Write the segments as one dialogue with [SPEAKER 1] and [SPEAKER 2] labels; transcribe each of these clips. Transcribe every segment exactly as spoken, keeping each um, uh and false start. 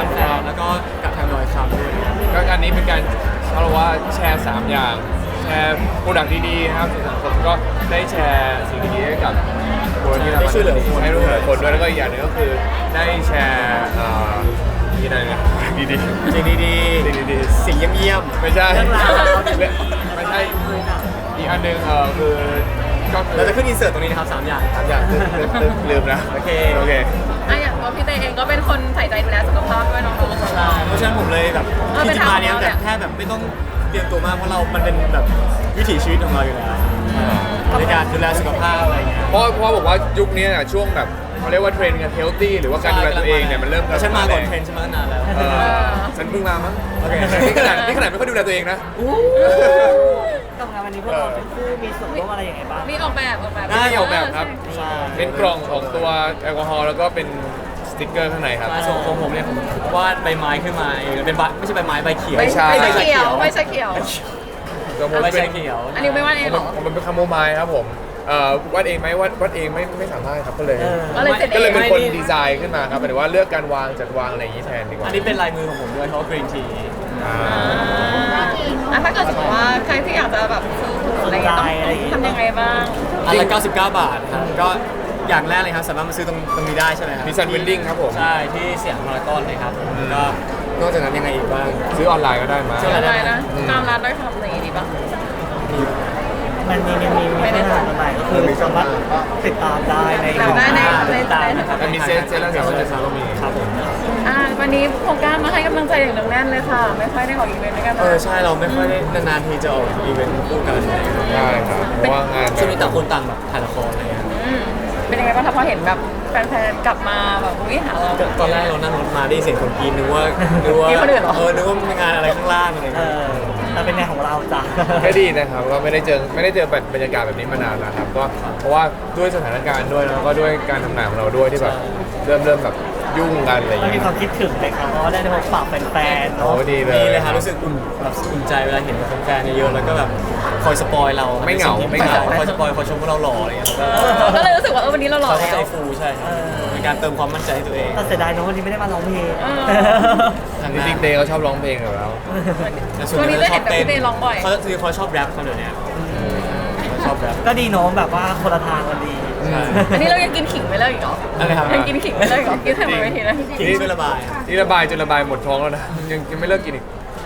[SPEAKER 1] ฟนๆแล้วก็กับทางดอยคำด้วย
[SPEAKER 2] ก็อันนี้เป็นการเขาเรียกว่าแชร์สามอย่างแชร์โปรดักต์ดีๆนะครับสู่สังคมก็ได้แชร์สิ่งดีๆให้กับคนที่ทำ
[SPEAKER 1] ได้ช่วยเหลือคน
[SPEAKER 2] ให้ช่วยเหลือคนด้วยแล้วก็อีกอย่างหนึงก็คือได้แชร์เอ่อที่ไหนนะดีๆ
[SPEAKER 1] สิ่งดี
[SPEAKER 2] สิ่งดี
[SPEAKER 1] ๆสิ่งเยี่ยม
[SPEAKER 2] ๆไม่ใช่
[SPEAKER 3] เรื่องราว
[SPEAKER 2] ไม่ใช่อีกอันหนึ่งเออคือก็
[SPEAKER 1] ๆ
[SPEAKER 2] คือ
[SPEAKER 1] เราจะขึ้นอินเสิร์ตตรงนี้นะครับสามอย่าง
[SPEAKER 2] สามอย่างลืมลืมลืมลืมนะ
[SPEAKER 1] โอเค
[SPEAKER 2] โอเค
[SPEAKER 4] อ่ะอย่างตัวพี่เตเองก็เป็นคนใส่ใจดูแลสุขภาพด้วยน้องๆของเรา
[SPEAKER 1] เพราะฉะนั้นผมเลยแบบ
[SPEAKER 4] เออ
[SPEAKER 1] ที่จะมาเนี้ย
[SPEAKER 4] เป็น
[SPEAKER 1] แบบ
[SPEAKER 4] ทางของเรา
[SPEAKER 1] แค่แบบไม่ต้องเตรียมตัวมากเพราะเรา มันเป็นแบบวิถีชีวิตของเราอยู่แล้วในการดูแลสุขภาพอะไรเงี้ย
[SPEAKER 2] เพราะเพราะบอกว่ายุคนี้น่ะช่วงแบบเขาเรียกว่าเทรนด์กันเฮลตี้หรือว่าการดูแลตัวเองเนี่ยมันเริ่ม
[SPEAKER 1] แล้วฉันมาก่อนเทรนด์ฉันมาตั้งนานแล้ว
[SPEAKER 2] เออฉันเพิ่งมามั้ง
[SPEAKER 1] โอเค
[SPEAKER 2] นี่ขนาดนี่ขนาดไม่ค่อยดูแลตัวเองนะ
[SPEAKER 3] กับงานวันนี้พวกเราทั้งคู่มีส่วนร่วมอะไรยังไงบ้าง
[SPEAKER 4] มีออกแบบออกแบบ
[SPEAKER 2] ได้ออกแบบครับ
[SPEAKER 1] ใช่
[SPEAKER 2] เป็นกล่องของตัวแอลกอฮอล์แล้วก็เป็นสติ๊กเกอร์ข้างในครับ
[SPEAKER 1] ใช่ส่วนของผมเนี่ยผมวาดใบไม้ขึ้นมาเองเป็นใบไม่ใช่ใบไม้ใบเขียว
[SPEAKER 4] ไม่
[SPEAKER 2] ใช่
[SPEAKER 4] ใช่เขียวไม่ใช่เขียว
[SPEAKER 2] ตัวผม
[SPEAKER 1] ใบ
[SPEAKER 2] เป็น
[SPEAKER 1] เขียว
[SPEAKER 4] อันนี้ไม่ว่าเองเหรอ
[SPEAKER 2] ผมเป็นคาโมไมล์ครับผมเอ่อวาดเองไหมวาดวาดเองไม่ไม่สามารถครับก็เลย
[SPEAKER 3] เออ
[SPEAKER 4] ก็เลยเสร็จ
[SPEAKER 2] ก็เลย
[SPEAKER 4] เอ
[SPEAKER 2] เป็น
[SPEAKER 4] ง
[SPEAKER 2] คนดีไซน์ขึ้นมาครับหมายถึงว่าเลือกการวางจัดวางอะไรอย่างนี้แทนดีกว่า
[SPEAKER 1] อันนี้เป็นลายมือของผมด้วยเพราะกรีนที
[SPEAKER 2] อ่า
[SPEAKER 4] อ่ะถ้าเกิดสมมติว่าใครที่อยากจะแบบซื้อถุงอะไรอย่างเงี้ยต้องทำยังไงบ้าง
[SPEAKER 1] อันละเก้าสิบเก้าบาทครับก็อย่างแรกเลยครับสามารถมาซื้อตรงตรงนี้ได้ใช่ไหมครับ
[SPEAKER 2] มีซันเวนดิ้งครับผม
[SPEAKER 1] ใช่ที่เสียงพารากอนเลยครับ
[SPEAKER 2] อืม
[SPEAKER 1] ก็นอกจากนั้นยังไงอีกบ้าง
[SPEAKER 2] ซื้อออนไลน์ก็ได้มา
[SPEAKER 1] ซื้อออน
[SPEAKER 4] อะไรนะตามร้านได้ทำอะไรดีป่ะ
[SPEAKER 3] มันมีมันมีไม่ได้ทำอะไรก็คือสามารถติดตามได้ใน
[SPEAKER 4] แบบได้ในใน
[SPEAKER 3] ติดตามนะครับ
[SPEAKER 2] มันมีเซตเซตละสามร้อยเจ็ดสิบก็มี
[SPEAKER 1] ครับผม
[SPEAKER 4] อ่าวันนี้โครงการมาให้กำลังใจอย่างหนึ่งแน่นเลยค่ะ ไม่ค่อยได้ออกอีเวนต์ด้วยกัน
[SPEAKER 1] เออใช่เราไม่ค่อยได้นานๆทีจะออกอีเวนต์คู่กันอะไรอย่างเงี้ย
[SPEAKER 2] ใช่ครับเพราะว่างาน
[SPEAKER 1] ช่วงนี้ต่างคนต่างแบบถ่ายละครอะไรเงี้ย
[SPEAKER 4] อืมเป็นยังไงบ้างถ้าพอเห็นแบบแฟนๆกลับมาแบบอุ้ยหาเรา
[SPEAKER 1] ก็ตอนแรกเรานั่งรถมาได้ยินเสียงคนกรีดนึกว่านึกว่า
[SPEAKER 4] มีคนอื่นเหรอ
[SPEAKER 1] เออนึกว่ามีงานอะไรข้างล่างอะไร
[SPEAKER 3] เอ
[SPEAKER 1] เงี้ย
[SPEAKER 3] อแต่เป็นงานของเราจ้ะ
[SPEAKER 2] ก็ดีนะครับก็ไม่ได้เจอไม่ได้เจอบรรยากาศแบบนี้มานานแล้วครับก็เพราะว่าด้วยสถานการณ์ด้วยแล้วก็ด้วยการทำงานของเราด้วยที่แบบเริ่มเริ่มแบบยุ่งกันอะไรอย่าง
[SPEAKER 3] มันมี
[SPEAKER 2] เงี้ย
[SPEAKER 3] ความคิดถึงไหมครับเพราะว่าได้พบปะแฟนๆ
[SPEAKER 2] โอ้
[SPEAKER 3] เนาะ
[SPEAKER 2] ดีเลย
[SPEAKER 1] มีเลยครับรู้สึกอุ่นแบบอุ่นใจเวลาเห็นแฟนๆเยอะๆแล้วก็แบบคอยสปอยเรา
[SPEAKER 2] ไม่เหงาไม่เหงา
[SPEAKER 1] คอยสปอยคอยชมว่าเราหล่ออะไรเงี้ยก็
[SPEAKER 4] ก็เลยรู้สึกว่าเออวันนี้เราหล่อ
[SPEAKER 1] เขา
[SPEAKER 4] แล้
[SPEAKER 1] ใจ
[SPEAKER 4] ว
[SPEAKER 1] ฟูใช่ครับเป็นการเติมความมั่นใจให้ตัวเอง
[SPEAKER 3] แต่เสียดายเนอะวันนี้ไม่ได้มาร้องเพลง
[SPEAKER 4] เออ
[SPEAKER 2] จริงๆเดย์เขาชอบร้องเพลงอยู่แล้ว
[SPEAKER 1] แต่
[SPEAKER 4] ช่วงนี้จะเห็นแบบพี่เดย์ร้องบ่อย
[SPEAKER 1] เขาคือเขาชอบแรปเขาเดี๋ยวนี้เขาชอบแรป
[SPEAKER 3] ก็ดีเนาะแบบว่าคนละทางกันดี
[SPEAKER 1] ใช่
[SPEAKER 4] อันนี้เรายังกินขิงไม่เลิกอีกเหรอ
[SPEAKER 1] อะไรครับ
[SPEAKER 4] ยังกินขิงไม่เลิกอีกเหรอกินให้หมดไม่ทีนะ
[SPEAKER 1] ทิ้งช่วยระบาย
[SPEAKER 2] นี่ระบายจนระบายหมดท้องแล้วนะยังยังไม่เลิกกินอีก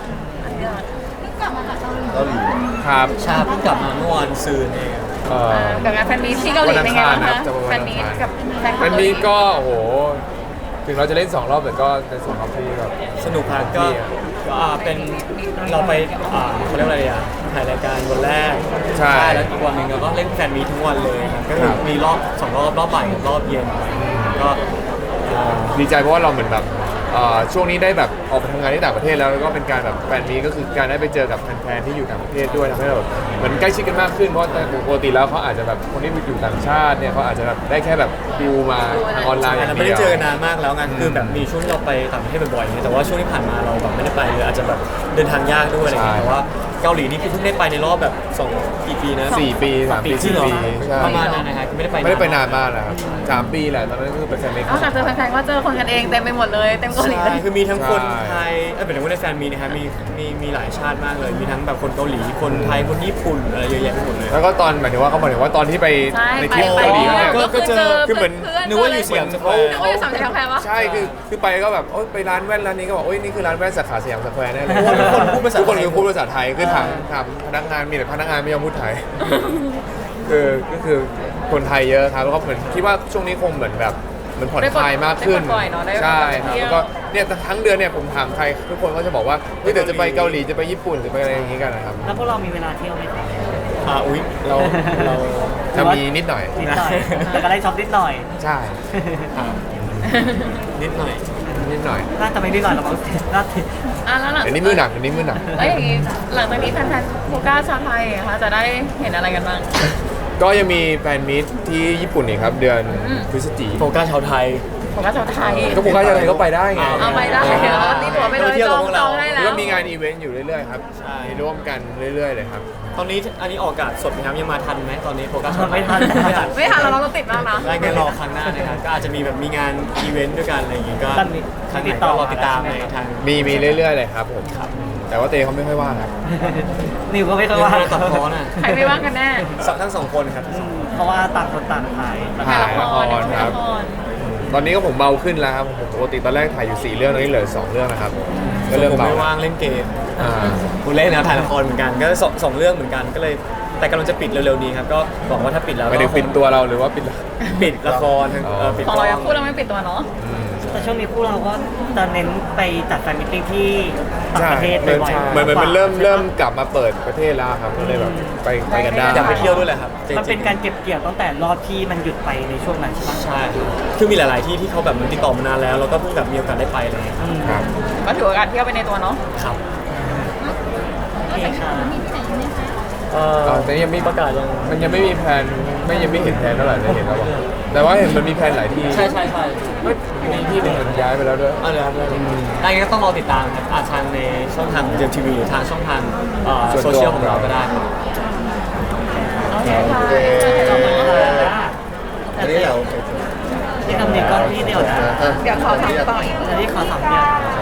[SPEAKER 2] ครับ
[SPEAKER 1] ชาเพิ่งกลับมาเมื่อวานซืนเอง
[SPEAKER 2] เอ่อ
[SPEAKER 4] กับงานแฟนมีตที่เกาหลีเป็นไงบ้าง
[SPEAKER 2] วันอังคารครั
[SPEAKER 4] คะ
[SPEAKER 2] บจะวัน
[SPEAKER 4] แฟ
[SPEAKER 2] อั
[SPEAKER 4] น
[SPEAKER 2] งคาร
[SPEAKER 4] มีตกับแฟนคลับ
[SPEAKER 2] มันมีก็โอ้โหถึงเราจะเล่นสองรอบแต่ก็เป็นสองรอบที่แบบ
[SPEAKER 1] สนุกครับก็ก็อ่าเป็นเราไปอ่าเขาเรียกว่าอะไรอ่ะถ่ายรายการวันแรก
[SPEAKER 2] ใช่
[SPEAKER 1] แล้วอีกวันหนึ่งเราก็เล่นแฟนมีตทั้งวันเลยครับก็คือมีรอบสองรอบรอบบ่ายกับรอบเย็นก็อ่า
[SPEAKER 2] ดีใจเพราะว่าเราเหมือนแบบเอ่อช่วงนี้ได้แบบออกไปทำงานที่ต่างประเทศแล้วแล้วก็เป็นการแบบแฟนมีตก็คือการได้ไปเจอกับแฟนๆที่อยู่ต่างประเทศด้วยทำให้เราแบบเหมือนใกล้ชิดกันมากขึ้นเพราะปกติแล้วเขาอาจจะแบบคนที่อยู่ต่างชาติเนี่ยเขาอาจจะแบบได้แค่แบบดูมาทางออนไลน์อย่าง
[SPEAKER 1] เราไม่
[SPEAKER 2] เดี
[SPEAKER 1] ได้
[SPEAKER 2] ยว
[SPEAKER 1] เจอกันนานมากแล้วไงคือแบบมีช่วงที่เราไปต่างประเทศบ่อยๆเนี่ยแต่ว่าช่วงที่ผ่านมาเราแบบไม่ได้ไปเลยอาจจะแบบเดินทางยากด้วยอะไรอย่างเงี้ยแต่ว่าเกาหลีนี่คือเพิ่งได้ไปในรอบแบบสองกี่ปีนะ
[SPEAKER 2] สี่ปีสามปี
[SPEAKER 1] จริ
[SPEAKER 2] สี่
[SPEAKER 1] งเหรอ
[SPEAKER 2] ปีใช่
[SPEAKER 1] ประมาณนั้นนะฮะคือไม่ได้ไป
[SPEAKER 2] ไม่ได้ไปนานมากแล้วครับสามปีแหละตอนนั้นก็คือเป็นแฟนมีต
[SPEAKER 4] นอกจากเจอแฟนๆก็เจอคนกันเองเต็มไปหมดเลยเต็มเกาหลีเล
[SPEAKER 1] ใช่
[SPEAKER 4] ย
[SPEAKER 1] คือมีทั้งคน
[SPEAKER 2] ใช่
[SPEAKER 1] ไทยเออเป็นว่าในแฟนมีนะฮะมีมีมีหลายชาติมากเลย มีทั้งแบบคนเกาหลีคนไทยคนญี่ปุ่นอะไรเยอะแยะไปหมดเลย
[SPEAKER 2] แล้วก็ตอนหมายถึงว่าเขาหมายถึงว่าตอนที่ไป
[SPEAKER 4] ใช่
[SPEAKER 2] ใน
[SPEAKER 4] ไป
[SPEAKER 2] ทริป
[SPEAKER 4] ไป
[SPEAKER 2] เกาหลีเนี่ย
[SPEAKER 1] ก็
[SPEAKER 4] ก็
[SPEAKER 1] เจอ
[SPEAKER 2] คือเหมือน
[SPEAKER 1] นึกว่าอยู่สยามสแควร์
[SPEAKER 4] นึกว่าอยู่สามแถวแพรวะ
[SPEAKER 2] ใช่คือคือไปก็แบบโอ๊ยไปร้านแว่นร้านนี้ก็บอกโอ๊ยนี่คือร้านแว่นสาขาสยามสแควร์แน่เลย
[SPEAKER 1] ทุกคนพูดภาษา
[SPEAKER 2] ทุกคน
[SPEAKER 1] ไทย
[SPEAKER 2] คือพูดภาษาไทยคือถามถามพนักงานมีแต่พนักงานไม่ยอมพูดไทย คือก็คือคนไทยเยอะครับแล้วก็เหมือนคิดว่าช่วงนี้คงเหมือนแบบเหมือนผ่อนคลายมากขึ้น
[SPEAKER 4] ได้ปลดปล่อยเนอะได้
[SPEAKER 2] ใช่ครับ
[SPEAKER 4] เที่ยว
[SPEAKER 2] แล้วก็เนี่ยทั้งเดือนเนี่ยผมถามใครทุกคนก็จะบอกว่าเฮ้ยเดี๋ยวจะไปเกาหลีจะไปญี่ปุ่นจะไปอะไรอย่างงี้กันนะครับ
[SPEAKER 3] แล้วพวกเรามีเวลาเที่ยวไหมครับ
[SPEAKER 1] อ่าอุ๊ยเราเรา
[SPEAKER 2] จะมีนิดหน่อย
[SPEAKER 3] นิดหน่อยแต่ก็ได้ช็อปนิดหน่อย
[SPEAKER 2] ใช่
[SPEAKER 1] อ่านิดหน่อย
[SPEAKER 2] นิดหน่อย
[SPEAKER 3] น่าจะไม่นิดหน่อยหรอกมั้งน่าจะ
[SPEAKER 4] อ่ะแล้วหลัง
[SPEAKER 2] เดี๋ยวนี้มือหนักเดี๋ยวนี้มือหนัก
[SPEAKER 4] แล้วอย่างนี้หลังจากนี้แฟนๆโฟกัสชาวไทยอะคะจะได้เห็นอะไรกันบ้าง
[SPEAKER 2] ก็ยังมีแฟนมิตที่ญี่ปุ่นอีกครับเดือน
[SPEAKER 4] อืม
[SPEAKER 2] พฤศจิ
[SPEAKER 1] โฟกัสชาวไทย
[SPEAKER 4] โฟกัสชาวไทย
[SPEAKER 2] ก็ผมก็ยังไงก็ไปได้ไง
[SPEAKER 4] เอาไปได้เดี๋ยวนี่ตัวไปเลยจองจองได้แล้ว
[SPEAKER 2] ก็มีงานอีเวนต์อยู่เรื่อยๆครับ
[SPEAKER 1] ใช่
[SPEAKER 2] มีร่วมกันเรื่อยๆเลยครับ
[SPEAKER 1] ตอนนี้อันนี้ออกอากาศสดไหมครับยังมาทันไหมตอนนี้โฟกัส
[SPEAKER 3] ไม่ทัน
[SPEAKER 1] ไม่ทัน
[SPEAKER 4] ไม่ทันแล้วเราติดมากนะ
[SPEAKER 1] ได้แค่รอครั้งหน้านะครับก็อาจจะมีแบบมีงานอีเวนต์ด้วยกันอะไรอย่างงี้ก็
[SPEAKER 3] ตอนนี้
[SPEAKER 1] ครั้งไหน
[SPEAKER 3] ติดต่
[SPEAKER 1] ก็
[SPEAKER 3] อ
[SPEAKER 1] รอติดตาม
[SPEAKER 3] มา
[SPEAKER 1] ใน
[SPEAKER 3] แล้วใช่ไหม
[SPEAKER 1] ทาง
[SPEAKER 2] มีมีเรื่อยๆเลยครับผม
[SPEAKER 1] ครับ
[SPEAKER 2] แต่ว่าเตเขาไม่ค่อยว่างครับ
[SPEAKER 3] นิวก็ไม่เคย
[SPEAKER 1] เรื่อง
[SPEAKER 3] ว่า
[SPEAKER 1] การตัดพ้อน่ะ
[SPEAKER 4] ใครไม่ว่างกันแน่
[SPEAKER 1] สองทั้งสองคนครับ
[SPEAKER 3] อืมเพราะว่าต่างคนต่างถ่าย
[SPEAKER 2] ถ่ายละครครับ
[SPEAKER 4] ละคร
[SPEAKER 2] ตอนนี้ก็ผมเบาขึ้นแล้วครับผมปกติตอนแรกถ่ายอยู่สี่เรื่องตอนนี้เหลือสองเรื่องนะครับก็เริ่ม
[SPEAKER 1] ผม
[SPEAKER 2] เบา
[SPEAKER 1] ไม่ว่างเล่นเกม
[SPEAKER 2] อ่า
[SPEAKER 1] คุณเล่นนะถ่ายละครเหมือนกันก็สองสองเรื่องเหมือนกันก็เลยแต่กำลังจะปิดเร็วๆนี้ครับก็หวังว่าถ้าปิดแล้ว
[SPEAKER 2] ไม่ได้
[SPEAKER 1] ก็คง
[SPEAKER 2] ปิดตัวเราหรือว่าปิด
[SPEAKER 1] ปิดละคร
[SPEAKER 2] อ๋อ
[SPEAKER 1] เออปิด
[SPEAKER 4] ของ
[SPEAKER 1] กล้
[SPEAKER 4] เรา
[SPEAKER 1] อง
[SPEAKER 4] ยังพูดเราไม่ปิดตัวเนาะ
[SPEAKER 2] อืม
[SPEAKER 3] แต่ช่วงนี้พวกเราก็จะเน้นไปจัดแฟนมิตติ้งที่ต่าง
[SPEAKER 2] ใช่
[SPEAKER 3] ประเทศ
[SPEAKER 2] เหมือน
[SPEAKER 3] บ่อยๆ
[SPEAKER 2] เหมือนเหมือนมันเริ่ม
[SPEAKER 3] ใช่ปะ
[SPEAKER 2] เริ่มกลับมาเปิดประเทศแล้วครับก็เลยแบบไปไปกันได้
[SPEAKER 1] อยากไปเที่ยวด้วยแหละครับจงๆ
[SPEAKER 3] มันเป็นการเก็บเกี่ยวตั้งแต่รอบที่มันหยุดไปในช่วงนั้นใช่ปะ
[SPEAKER 1] ใช่ครับคือมีหลาย ๆ ที่ที่เขาแบบมันติดต่อมานานแล้วแล้วก็เพิ่งแบบมีโอกาสได้ไปอะไรเลยครับ
[SPEAKER 3] อืม
[SPEAKER 2] ครับ
[SPEAKER 4] ก็ถือโอกาสเที่ยวไปในตัวเนาะ
[SPEAKER 1] ครับ
[SPEAKER 3] โอเคค่ะ
[SPEAKER 1] เอ่อ
[SPEAKER 2] เออแต่ยังไม่
[SPEAKER 1] ประกาศยัง
[SPEAKER 2] มันยังไม่มีแผนไม่ยังไม่เห็นแผนเท่าไหร่เลยเห็นแล้วบอกแต่ว่าเห็นมันมีแผนหลายที่
[SPEAKER 1] ใช่ใช่ใช่
[SPEAKER 2] เฮ้ยมีที่หนึ่งมันย้ายไปแล้วด้วย
[SPEAKER 1] เอาเลยครับได้เลยได้งั้นก็ต้องรอติดตามครับอาจทางในช่องทางของเจมทีวีหรือทางช่องทางเอ่อ
[SPEAKER 2] ส่วน
[SPEAKER 1] โซ
[SPEAKER 2] ตัว
[SPEAKER 1] เชียลของเราก็ได้ครับ
[SPEAKER 4] โอเคค่ะ
[SPEAKER 3] อันนี้เราที่ทำเนียมก็ที่เดียวนะ
[SPEAKER 4] เดี๋ยวขอถามต่ออีก
[SPEAKER 3] อันนี้ขอสามเดือน